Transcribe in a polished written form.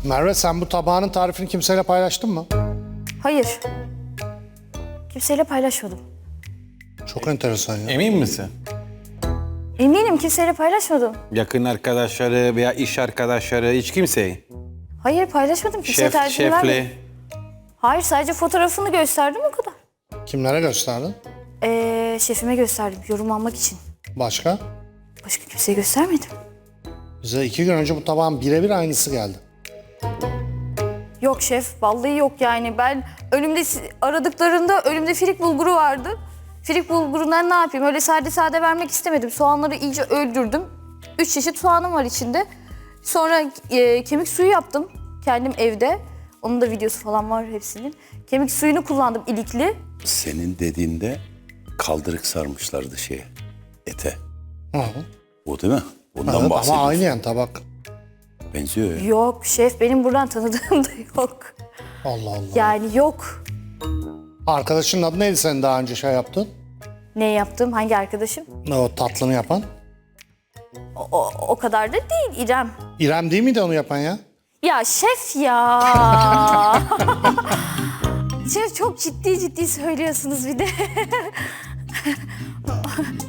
Merve, sen bu tabağının tarifini kimseyle paylaştın mı? Hayır. Kimseyle paylaşmadım. Çok enteresan ya. Emin misin? Eminim kimseyle paylaşmadım. Yakın arkadaşları veya iş arkadaşları hiç kimseyi? Hayır paylaşmadım. Kimseye tercih vermedim. Şefle. Hayır sadece fotoğrafını gösterdim o kadar. Kimlere gösterdin? Şefime gösterdim yorum almak için. Başka? Başka kimseye göstermedim. Bize 2 gün önce bu tabağın birebir aynısı geldi. Yok şef vallahi yok yani. Ben önümde aradıklarında önümde firik bulguru vardı. Firik bulgurundan ne yapayım? Öyle sade vermek istemedim. Soğanları iyice öldürdüm. 3 çeşit soğanım var içinde. Sonra kemik suyu yaptım kendim evde. Onun da videosu falan var hepsinin. Kemik suyunu kullandım ilikli. Senin dediğinde kaldırık sarmışlardı ete. Hı hı. O değil mi? Ondan Evet, bahsediyorsun. ama aynı yani tabak. Benziyor ya. Yok şef benim buradan tanıdığım da yok. Allah Allah. Yani yok. Arkadaşının adı neydi senin daha önce şey yaptın? Ne yaptım? Hangi arkadaşım? O tatlını yapan. O kadar da değil İrem. İrem değil miydi onu yapan ya? Ya şef ya. Şef çok ciddi söylüyorsunuz bir de.